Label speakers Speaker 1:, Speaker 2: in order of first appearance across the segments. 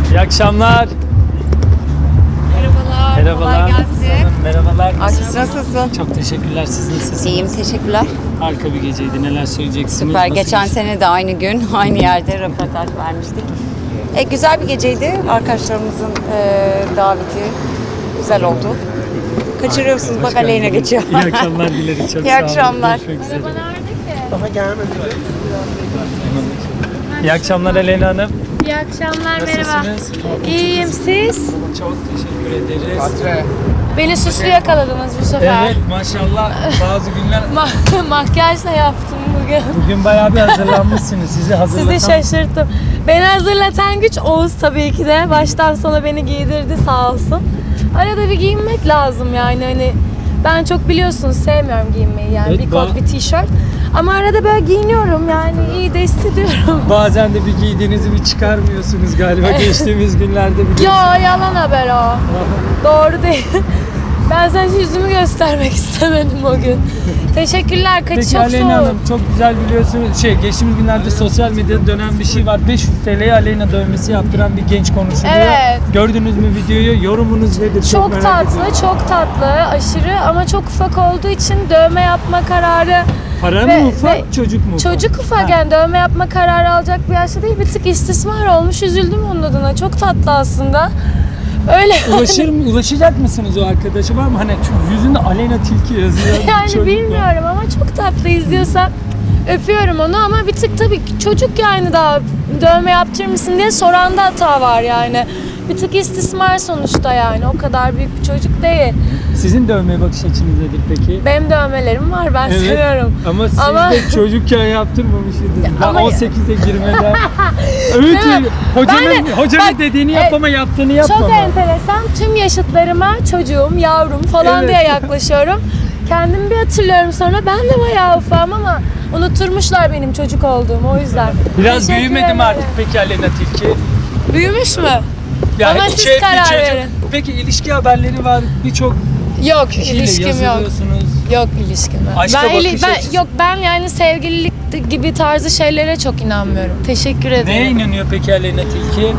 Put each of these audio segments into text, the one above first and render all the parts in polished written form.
Speaker 1: İyi akşamlar.
Speaker 2: Merhabalar.
Speaker 1: Merhabalar.
Speaker 2: Kolay gelsin.
Speaker 1: Merhabalar.
Speaker 2: Nasılsın?
Speaker 1: Çok teşekkürler. Siz nasılsınız?
Speaker 2: İyiyim, teşekkürler.
Speaker 1: Harika bir geceydi. Neler söyleyeceksiniz?
Speaker 2: Süper.
Speaker 1: Nasıl
Speaker 2: Geçen
Speaker 1: geçti?
Speaker 2: sene de aynı gün, aynı yerde röportaj vermiştik. Güzel bir geceydi. Arkadaşlarımızın daveti güzel oldu. Kaçırıyorsunuz. Bak Aleyna geçiyor.
Speaker 1: İyi akşamlar dilerim. Çok
Speaker 2: İyi
Speaker 1: sağ olun.
Speaker 2: akşamlar.
Speaker 1: Görüşmek üzere. İyi akşamlar Aleyna Hanım.
Speaker 3: İyi akşamlar, merhaba.
Speaker 1: Nasılsınız?
Speaker 3: İyiyim, siz?
Speaker 1: Çok teşekkür ederiz.
Speaker 3: Beni süslü yakaladınız bu sefer.
Speaker 1: Evet maşallah bazı günler
Speaker 3: Makyaj da yaptım bugün.
Speaker 1: bugün bayağı bir hazırlanmışsınız. Sizi hazırlatan
Speaker 3: Sizi şaşırttım. Beni hazırlatan güç Oğuz tabii ki de. Baştan sona beni giydirdi sağ olsun. Arada bir giyinmek lazım yani hani. Ben çok biliyorsunuz sevmiyorum giyinmeyi yani
Speaker 1: Evet,
Speaker 3: bir kot bir tişört. Ama arada böyle giyiniyorum yani iyi de hissediyorum.
Speaker 1: bazen de bir giydiğinizi bir çıkarmıyorsunuz galiba geçtiğimiz günlerde biliyorsunuz.
Speaker 3: Yo yalan haber o. Doğru değil. Ben sadece yüzümü göstermek istemedim o gün. Teşekkürler. Kaçı
Speaker 1: Peki
Speaker 3: çok
Speaker 1: Aleyna
Speaker 3: soğuk.
Speaker 1: Hanım çok güzel biliyorsunuz geçtiğimiz günlerde sosyal medyada dönen bir şey var. 500 TL'ye Aleyna dövmesi yaptıran bir genç konuşuluyor.
Speaker 3: Evet.
Speaker 1: Gördünüz mü videoyu? Yorumunuz nedir?
Speaker 3: Çok
Speaker 1: merak
Speaker 3: tatlı,
Speaker 1: ediyorum.
Speaker 3: çok tatlı, aşırı ama çok ufak olduğu için dövme yapma kararı
Speaker 1: Para
Speaker 3: ve-
Speaker 1: mı ufak,
Speaker 3: ve
Speaker 1: çocuk mu ufak?
Speaker 3: çocuk ufak
Speaker 1: Ha.
Speaker 3: yani dövme yapma kararı alacak bir yaşta değil, bir tık istismar olmuş, üzüldüm onun adına. Çok tatlı aslında. Öyle
Speaker 1: Ulaşacak mısınız o arkadaşa var mı? Hani şu yüzünde Aleyna Tilki yazıyor.
Speaker 3: yani
Speaker 1: çocuk var.
Speaker 3: bilmiyorum ama çok tatlı izliyorsam öpüyorum onu ama bir tık tabii çocuk yani daha dövme yaptırır mısın diye soranda hata var yani. Bir tık istismar sonuçta yani o kadar büyük bir çocuk değil.
Speaker 1: Sizin dövmeye bakış açınız nedir peki?
Speaker 3: Benim dövmelerim var ben
Speaker 1: Evet,
Speaker 3: seviyorum.
Speaker 1: Ama siz
Speaker 3: Ama-
Speaker 1: de çocukken yaptırmamışsınız. Daha
Speaker 3: ama-
Speaker 1: 18'e girmeden. Evet,
Speaker 3: Değil mi?
Speaker 1: hocanın
Speaker 3: bak,
Speaker 1: dediğini yap ama yaptığını yapmama.
Speaker 3: Çok enteresan. Tüm yaşıtlarıma çocuğum, yavrum falan
Speaker 1: Evet.
Speaker 3: diye yaklaşıyorum. Kendimi bir hatırlıyorum sonra ben de bayağı ufam ama unutturmuşlar benim çocuk olduğumu o yüzden.
Speaker 1: Biraz
Speaker 3: Teşekkür
Speaker 1: büyümedi mi
Speaker 3: ederim.
Speaker 1: artık peki Aleyna Tilki?
Speaker 3: Büyümüş mü?
Speaker 1: Ya
Speaker 3: Ama
Speaker 1: hiç
Speaker 3: siz
Speaker 1: bir
Speaker 3: karar
Speaker 1: çocuk-
Speaker 3: verin.
Speaker 1: Peki ilişki haberleri var. Birçok
Speaker 3: Yok
Speaker 1: kişiyle
Speaker 3: ilişkim yok.
Speaker 1: yazılıyorsunuz.
Speaker 3: Yok ilişkim yok.
Speaker 1: Aşka bakış açısı.
Speaker 3: ben yani sevgililik gibi tarzı şeylere çok inanmıyorum. Teşekkür ederim.
Speaker 1: Neye inanıyor peki Aleyna Tilki?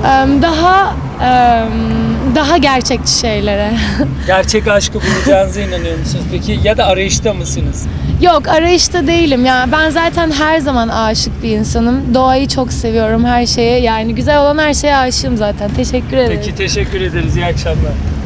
Speaker 3: Daha gerçekçi şeylere.
Speaker 1: Gerçek aşkı bulacağınıza inanıyor musunuz peki? Ya da arayışta mısınız?
Speaker 3: Yok arayışta değilim ya. Ben zaten her zaman aşık bir insanım. Doğayı çok seviyorum her şeye. Yani güzel olan her şeye aşığım zaten. Teşekkür ederim.
Speaker 1: Peki teşekkür ederiz. İyi akşamlar.